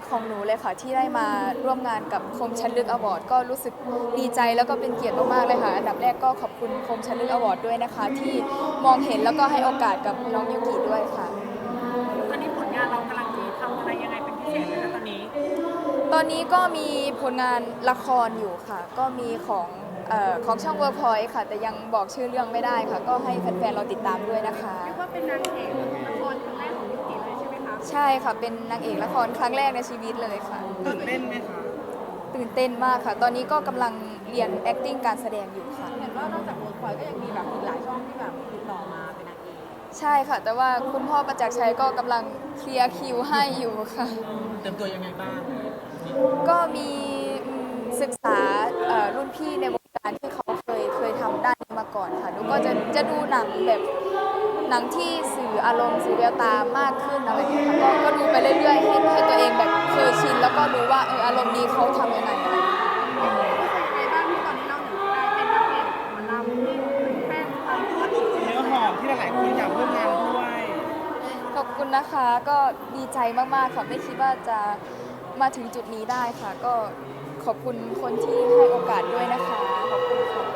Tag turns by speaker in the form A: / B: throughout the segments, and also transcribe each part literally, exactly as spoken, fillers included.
A: ของหนูเลยค่ะที่ได้มาร่วมงานกับคมชันลึกอวอร์ดก็รู้สึกดีใจแล้วก็เป็นเกียรติมากๆเลยค่ะอันดับแรกก็ขอบคุณคมชันลึกอวอร์ดด้วยนะคะที่มองเห็นแล้วก็ให้โอกาสกับน้องยูกิด้วยค่ะ
B: ตอนนี้ผลงานเรากำลังจะทำอะไรยังไงเป็นพิเศษไหมคะตอนนี้
A: ตอนนี้ก็มีผลงานละครอยู่ค่ะก็มีของเอ่อของช่องเวิร์กพอยต์ค่ะแต่ยังบอกชื่อเรื่องไม่ได้ค่ะก็ให้แฟนๆเราติดตามด้วยนะคะ
B: เรียกว่าเป็นนางเอกละครครั้งแรกของยูกิเลยใช่ไหมคะ
A: ใช่ค่ะเป็นนางเอกละครครั้งแรกในชีวิตเลยค่ะ
B: ตื่นเต้นไหมคะ
A: ตื่นเต้นมากค่ะ ตอนนี้ก็กำลังเรียน acting การแสดงอยู่ค่ะ
B: เห็นว่านอกจากเวิร์กพอยต์ก็ยังมีแบบอีกหลายช่องที่แบบติดต่อมาเป็นนางเอก
A: ใช่ค่ะ แต่ว่าคุณพ่อประจักษ์ชัยก็กำลังเคลียร์คิวให้อยู่ค่ะ
B: เต็มตัวยังไงบ้าง
A: ก็มีอืมศึกษาเอ่อรุ่นพี่ในวงการที่เขาเคยเคยทำด้านนี้มาก่อนค่ะหนูก็จะจะดูหนังแบบหนังที่สื่ออารมณ์สื่อแววตามากขึ้นอะไรอย่างเงี้ยค่ะก็ก็ดูไปเรื่อยๆให้ให้ตัวเองแบบเคยชินแล้วก็รู้ว่าเอออารมณ์นี้เขาทำยังไงอะไรอย่างเงี้ย
B: ในบ้างที่ตอนนี้เราหนึ่งได้เป็นนางเอกหมอลำที่แฟนฟังเนื้อหอมที่หลายๆคนอยากร่วมงานด้วย
A: ขอบคุณนะคะก็ดีใจมากๆค่ะไม่คิดว่าจะมาถึงจุดนี้ได้ค่ะก็ขอบคุณคนที่ให้โอกาสด้วยนะคะขอบคุณค่ะ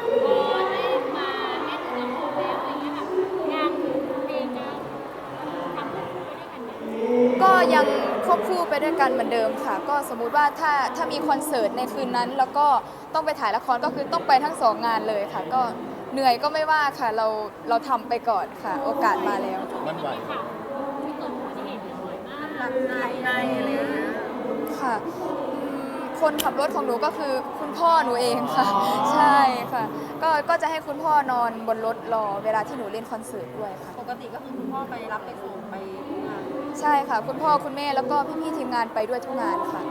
A: ก็ยังควบคู่ไปด้วยกันเหมือนเดิมค่ะก็สมมุติว่าถ้าถ้ามีคอนเสิร์ตในคืนนั้นแล้วก็ต้องไปถ่ายละครก็คือต้องไปทั้งสองงานเลยค่ะก็เหนื่อยก็ไม่ว่าค่ะเราเราทำไปก่อนค่ะโอกาสมาแล้ว
C: มันไหว
B: หลับในในอะไรอย่างเงี้ย
A: ค่ะอืมคนขับรถของหนูก็คือคุณพ่อหนูเองค่ะใช่ค่ะก็ก็จะให้คุณพ่อนอนบนรถรอเวลาที่หนูเล่นคอนเสิร์ตด้วยค่ะ
B: ปกติก็คือคุณพ่อไปรับไปส่งไปทุกงาน
A: ใช่ค่ะคุณพ่อคุณแม่แล้วก็พี่ๆทีมงานไปด้วยทุกงานค่ะ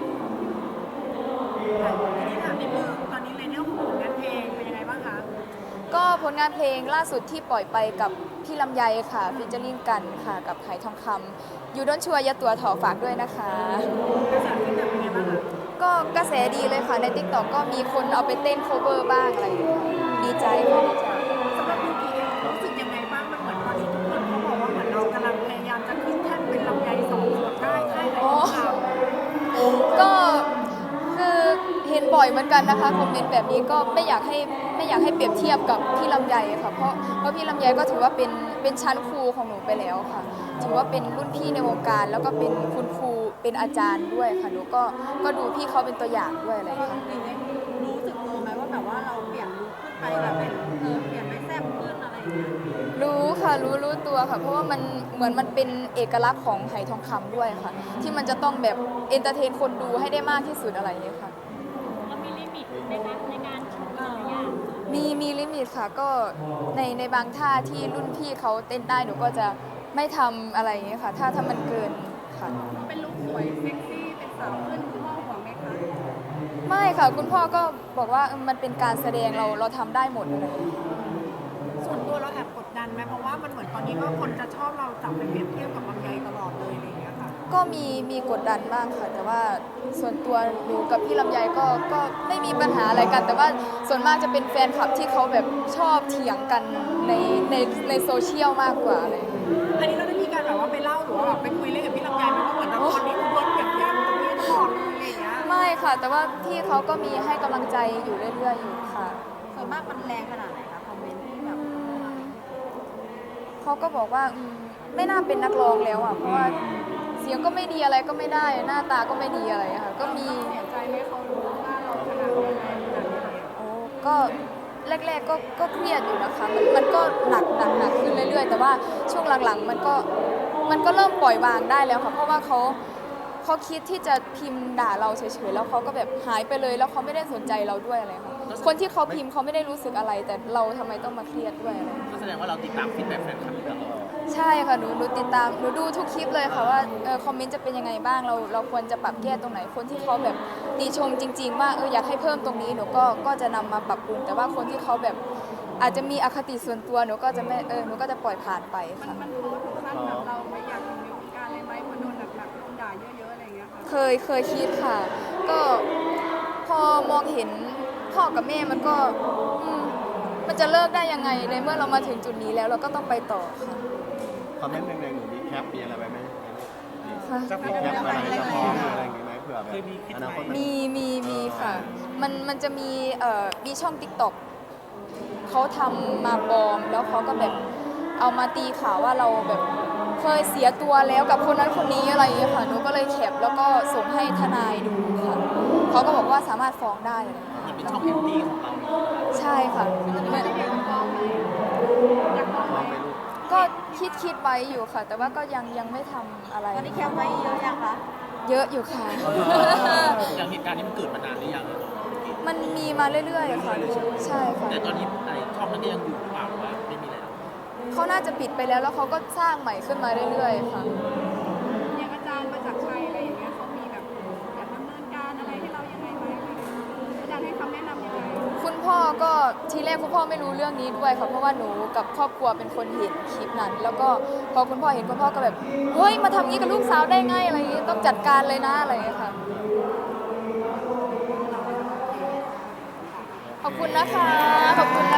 B: ทีนี้ถามนิดนึงตอนนี้ในเรื่องของผลงานเพลงเป็นยังไงบ้างคะ
A: ก็ผลงานเพลงล่าสุดที่ปล่อยไปกับพี่ลำไยค่ะฟีเจอริ่งกันค่ะกับไหทองคำอยู่ด้นชัวยาตัวถอฝากด้วยนะคะ
B: กระแสฟีดแบ็กเป็นยังไงบ้างคะ
A: ก็กระแสดีเลยค่ะใน ติ๊กต็อก ก็มีคนเอาไปเต้น cover บ้างอะไรอย่างเงี้ยดีใจค่ะดีใจ
B: สำหรับยูกิเองรู้สึกยังไงบ้างมันเหมือนตอนนี้ทุกคนเขาบอกว่าเหมือนเรากำลังพยายามจะขึ้นแท่นเป็นลำไยสองส่วนได้ใช่ไหมคะ
A: ก็คือเห็นบ่อยเหมือนกันนะคะคอมเมนต์แบบนี้ก็ไม่อยากให้ไม่อยากให้เปรียบเทียบกับพี่ลำไยค่ะเพราะเพราะพี่ลำไยก็ถือว่าเป็นเป็นชั้นครูของหนูไปแล้วค่ะถือว่าเป็นรุ่นพี่ในวงการแล้วก็เป็นคุณครูเป็นอาจารย์ด้วยค่ะหนูก็ก็ดูพี่เขาเป็นตัวอย่างด้วยอะไรค่ะ
B: รู้สึกตัวไหมว่าแบบว่าเราเปลี่ยนลุคขึ้นไปแบบเป็นเออเปลี่ยนไปแซ่บขึ้นอะไรอย่างเงี้ย
A: รู้ค่ะรู้รู้ตัวค่ะเพราะว่ามันเหมือนมันเป็นเอกลักษณ์ของไหทองคำด้วยค่ะที่มันจะต้องแบบเอนเตอร์เทนคนดูให้ได้มากที่สุดอะไรอย่างเงี้ยค่ะ
D: มีลิมิตในการในการโชว์แต่ละอย่าง
A: มีมีลิมิตค่ะก็ในในบางท่าที่รุ่นพี่เขาเต้นได้หนูก็จะไม่ทำอะไรอย่างเงี้ยค่ะถ้าถ้ามันเกินค่ะ
B: เป็นลุคสวยเซ็กซี่เป็นสาวขึ้นคุณพ่อห่วงไหมคะ
A: ไม่ค่ะคุณพ่อก็บอกว่ามันเป็นการแสดงเราเราทำได้หมดเลย
B: ส่วนตัวเราแอบกดดันไหมเพราะว่ามันเหมือนตอนนี้ก็คนจะชอบเราจับไปเปรียบเทียบกับลำไยตลอดเลยอะไรอย่างเงี้ยค่ะ
A: ก็มีมีกดดันบ้างค่ะแต่ว่าส่วนตัวหนูกับพี่ลำไยก็ก็ไม่มีปัญหาอะไรกัน แต่ว่าส่วนมากจะเป็นแฟนคลับที่เขาแบบชอบเถียงกันในในในโซเชียลมากกว่าอะไรอย่างเงี้ย
B: อันนี้เราได้มีการแบบว่าไปเล่าหรือว่าแบบไปคุยเล่นกับพี่ลำไยไหมว่าเหมือนตอนนี้คุณโดนเปรียบเทียบกับพี่ตลอดเลยอะไรอย่างเงี้ย
A: ไม่ค่ะ แต่ว่าพี่เขาก็มีให้กำลังใจอยู่เรื่อยๆอยู่ค่ะ
B: ส่วนมากมันแรงขนาดไหนคะคอมเมนต์ที่แบบ
A: เขาก็บอกว่าอืมไม่น่าเป็นนักร้องแล้วอ่ะเพราะว่าเสียงก็ไม่ดีอะไรก็ไม่ได้หน้าตาก็ไม่ดีอะไรอะค่ะก็มี
B: เสียใจไหมเขารู้ว่าเราขนาดนี้ขนาดนี้
A: โอ้ก็แรกๆก็ก็เครียดอยู่นะคะมันมันก็หนักหนักหนักขึ้นเรื่อยๆแต่ว่าช่วงหลังๆมันก็มันก็เริ่มปล่อยวางได้แล้วค่ะเพราะว่าเขาเขาคิดที่จะพิมพ์ด่าเราเฉยๆแล้วเขาก็แบบหายไปเลยแล้วเขาไม่ได้สนใจเราด้วยอะไรค่ะคนที่เขาพิมพ์เขาไม่ได้รู้สึกอะไรแต่เราทำไมต้องมาเครียดด้วยอะไร
C: ก็แสดงว่าเราติดตามฟีดแบ็กแฟนคลับอยู่ตลอด
A: ใช่ค่ะหนูหนูติดตามหนูดูทุกคลิปเลยค่ะว่าเออคอมเมนต์จะเป็นยังไงบ้างเราเราควรจะปรับแก้ตรงไหนคนที่เขาแบบติชมจริงๆว่าเอออยากให้เพิ่มตรงนี้หนูก็ก็จะนำมาปรับปรุงแต่ว่าคนที่เขาแบบอาจจะมีอคติส่วนตัวหนูก็จะไม่เออหนูก็จะปล่อยผ่านไปค่ะ
B: มันรู้ถึงขั้นแบบเราไม่อยากอยู่ในวงการเลยไหมพอโดนหนักๆโดนด่าเยอะๆอะไรอย่างเงี้ยค่ะ
A: เคยเคยคิดค่ะก็พอมองเห็นพ่อกับแม่มันก็มันจะเลิกได้ยังไงในเมื่อเรามาถึงจุดนี้แล้วเราก็ต้องไปต่อค่ะ
C: คอมเมนต์แรงๆหนูมีแคปมีอะไรไหมไหม
A: ค่ะ
C: มีแคปอะไรจะฟ้องอะไรอย่างเงี้ยเคยมีคิด
E: อ
C: ไห
E: นาคต
C: ม
A: มีมีมีค่ะ มันมันจะมีเอ่อมีช่อง ติ๊กต็อก เขาทำมาปลอม แล้วเขาก็แบบเอามาตีข่าวว่าเราแบบเคยเสียตัวแล้วกับคนนั้นคนนี้อะไรอย่างเงี้ยค่ะหนูก็เลยแคปแล้วก็ส่งให้ทนายดูค่ะเขาก็บอกว่าสามารถฟ้องได้เลย
C: มันเป็นช่องแอนตี้ของเรา
A: ใช่ค่ะ
B: ไม่ได้เกี่ยวกับฟ้องไหมอยากฟ้องไหม
A: ก็คิดคิดไว้อยู่ค่ะ แต่ว่าก็ยังยังไม่ทำอะไร
B: ตอนนี้แคปไว้เยอะยังคะ
A: เยอะอยู่ค่ะ
C: อย่างเหตุการณ์นี้มันเกิดมานานหรือยัง
A: มันมีมาเรื่อยๆค่ะ ใช่ค่ะ
C: แต่ตอนนี้ไอ้ช่องนั้นก็ยังอยู่หรือเปล่าหรือว่าไม่มีแล้ว
A: เขาน่าจะปิดไปแล้วแล้วเขาก็สร้างใหม่ขึ้นมาเรื่อยๆค่ะ
B: อย่างอาจารย์มาจากชัยอะไรอย่างเงี้ยเขามีแบบอยากดำเนินการอะไรให้เรายังไงไหมอาจารย์ให้คำแนะนำยังไง
A: คุณพ่อก็ทีแรกคุณพ่อไม่รู้เรื่องนี้ด้วยค่ะเพราะว่าหนูกับครอบครัวเป็นคนเห็นคลิปนั้น แล้วก็พอคุณพ่อเห็นคุณพ่อก็แบบเฮ้ยมาทำงี้กับลูกสาวได้ไงอะไรอย่างงี้ต้องจัดการเลยนะอะไรอย่างเงี้ยค่ะ ขอบคุณนะคะขอบคุณ